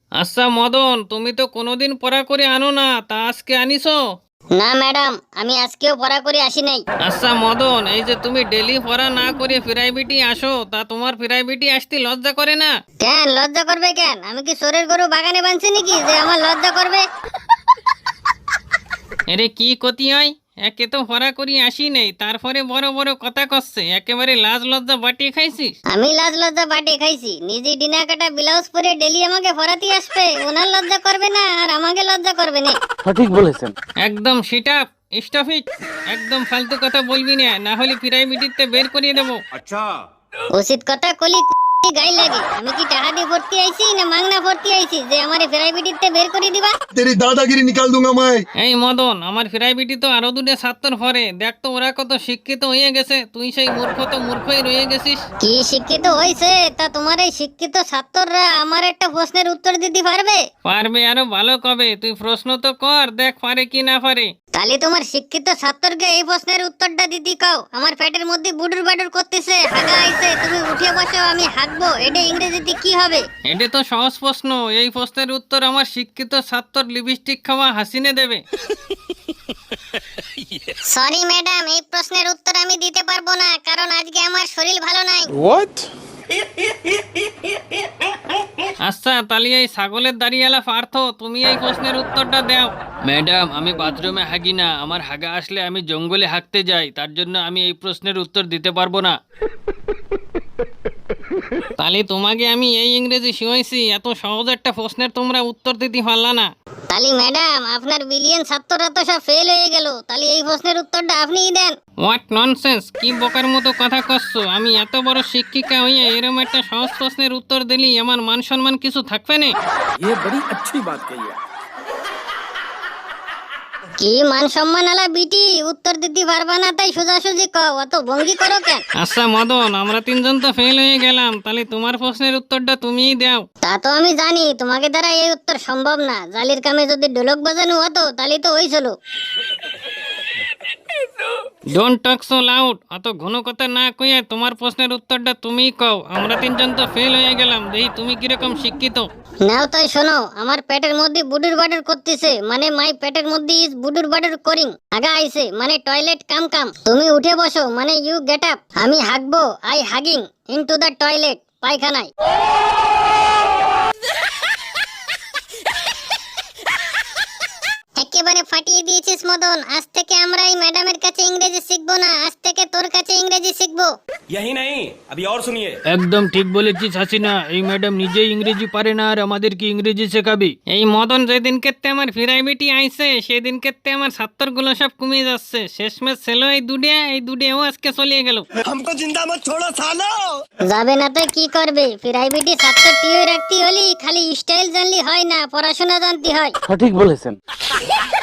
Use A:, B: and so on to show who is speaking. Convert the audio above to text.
A: আচ্ছা মদন, তুমি তো কোনোদিন পড়া করে আনো না, তা আজকে আনিছো?
B: না ম্যাডাম, আমি আজকেও পড়া করে আসি নাই।
A: আচ্ছা মদন, এই যে তুমি ডেলি পড়া না করে প্রাইভেটই আসো, তা তোমার প্রাইভেটই আসতে লজ্জা করে না?
B: কেন লজ্জা করবে কেন? আমি কি চোরের গরু বাগানে বাঁধছি নাকি যে আমার লজ্জা করবে?
A: আরে কি ক্ষতি হয়? একে তো পড়া করি আসি নেই, তারপরে বড় বড় কথা করছে, একেবারে লাজ লজ্জা বাটিয়ে খাইছিস।
B: আমি লাজ লজ্জা বাটে খাইছি? নিজে ডিনা কাটা ব্লাউজ পরে ডেলি আমাকে পড়াতে আসবে, ওনার লজ্জা করবে না আর আমাকে লজ্জা করবে না?
C: সঠিক বলেছেন।
A: একদম সিট আপ, স্টপ ইট। একদম ফালতু কথা বলবি না, না হলে প্রাইভেটিতে বের করিয়ে দেবো।
B: উচিত কথা কলি গাই লাগে। আমি কি টাকা দিয়ে ভর্তি আইছি না মাংনা ভর্তি আইছি যে আমারে প্রাইভেটিতে বের করে দিবা?
D: तेरी दादागिरी निकाल दूंगा मैं।
A: এই মদন, আমার প্রাইভেটি তো আরো দুটো ছাত্র পড়ে, দেখ তো ওরা কত শিক্ষিত হয়ে গেছে, তুই সেই মূর্খ তো মূর্খই রয়ে গেছিস।
B: কি শিক্ষিত হইছে? তা তোমার এই শিক্ষিত ছাত্ররা আমার একটা প্রশ্নের উত্তর দিতে পারবে?
A: পারবে আরো ভালো কবে, তুই প্রশ্ন তো কর, দেখ পারে কি না পারে।
B: তাহলে তোমার শিক্ষিত ছাত্রকে এই প্রশ্নের উত্তরটা দিতে কাও। আমার পেটের মধ্যে বুডুর বাডুর করতেছে, হাগা আইছে, তুমি উঠে বসো, আমি হাগবো। এটা ইংরেজিতে কি হবে?
A: এটা তো সহজ প্রশ্ন, এই প্রশ্নের উত্তর আমার শিক্ষিত ছাত্র লিপস্টিক খাওয়া হাসিনে দেবে।
B: সরি ম্যাডাম, এই প্রশ্নের উত্তর আমি দিতে পারবো না, কারণ আজকে আমার শরীর ভালো নাই।
C: হোয়াট?
A: আচ্ছা তাহলে এই ছাগলের দাঁড়িয়ালা পার্থ, তুমি এই প্রশ্নের উত্তরটা দাও। ম্যাডাম, আমি বাথরুমে হাগি না, আমার হাগা আসলে আমি জঙ্গলে হাঁকতে যাই, তার জন্য আমি এই প্রশ্নের উত্তর দিতে পারবো না। তাহলে তোমাকে আমি এই ইংরেজি শিখাইছি, এত সহজ একটা প্রশ্নের তোমরা উত্তর দিতে পারলা না।
B: তাহলে ম্যাডাম, আপনার বিলিয়ন ছাত্ররা তো সব ফেল হয়ে গেল, তাহলে এই প্রশ্নের উত্তরটা আপনিই দেন।
A: হোয়াট ননসেন্স, কি বোকার মতো কথা করছো? আমি এত বড় শিক্ষিকা হইয়া এরকম একটা সহজ প্রশ্নের উত্তর দিলি আমার মান সম্মান কিছু থাকবে না?
C: ये बड़ी अच्छी बात कही है।
B: কি মান সম্মান আলা বিটি, উত্তর দিতে পারবা না তাই সোজাসুজি কও, অত ভঙ্গি করো কেন?
A: আচ্ছা মদন, আমরা তিনজন তো ফেল হয়ে গেলাম, তাহলে তোমার প্রশ্নের উত্তরটা তুমিই দাও।
B: তা তো আমি জানি তোমাকে দ্বারা এই উত্তর সম্ভব না। জালির কামে যদি ঢোলক বাজানো হতো তাহলে তো হয়েছিল।
A: ডোন্ট টক সো লাউড, অত ঘন কথা না কইয়া তোমার প্রশ্নের উত্তরটা তুমিই কও। আমরা তিনজন তো ফেল হয়ে গেলাম, দেখি তুমি কিরকম শিক্ষিত।
B: নাও তাই শোনো, আমার পেটের মধ্যে বুডুর বাডুর করতেছে, মানে মাই পেটের মধ্যে ইজ বুডুর বাডুর করিং। আগা আইছে মানে টয়লেট কাম কাম। তুমি উঠে বসো মানে ইউ গেট আপ। আমি হাগবো, আই হাগিং ইনটু দ্য টয়লেট, পায়খানায়। একেবারে ফাটিয়ে দিয়েছিস মদন। আজ থেকে আমরা এই ম্যাডামের কাছে ইংরেজি শিখবো না, আজ থেকে তোর কাছে ইংরেজি শিখবো।
E: यही नहीं, अभी और सुनिए।
A: একদম ঠিক বলেছিস হাসিনা, এই ম্যাডাম নিজেই ইংরেজি পারে না আর আমাদেরকে ইংরেজি শেখাবি। এই মদন যেদিনকে আমার প্রাইভেটি আইছে সেদিনকে আমার ছাত্রগুলো সব কমে যাচ্ছে, শেষমেশ ছিল এই দুডিয়াও আজকে চলিয়ে গেল।
E: हमको जिंदा मत छोड़ो सालो।
B: যাবে না তো কি করবে? প্রাইভেটে ছাত্র টিও রাখতে হলে খালি স্টাইল জানলে হয় না, পড়াশোনা জানতে হয়।
C: সঠিক বলেছেন।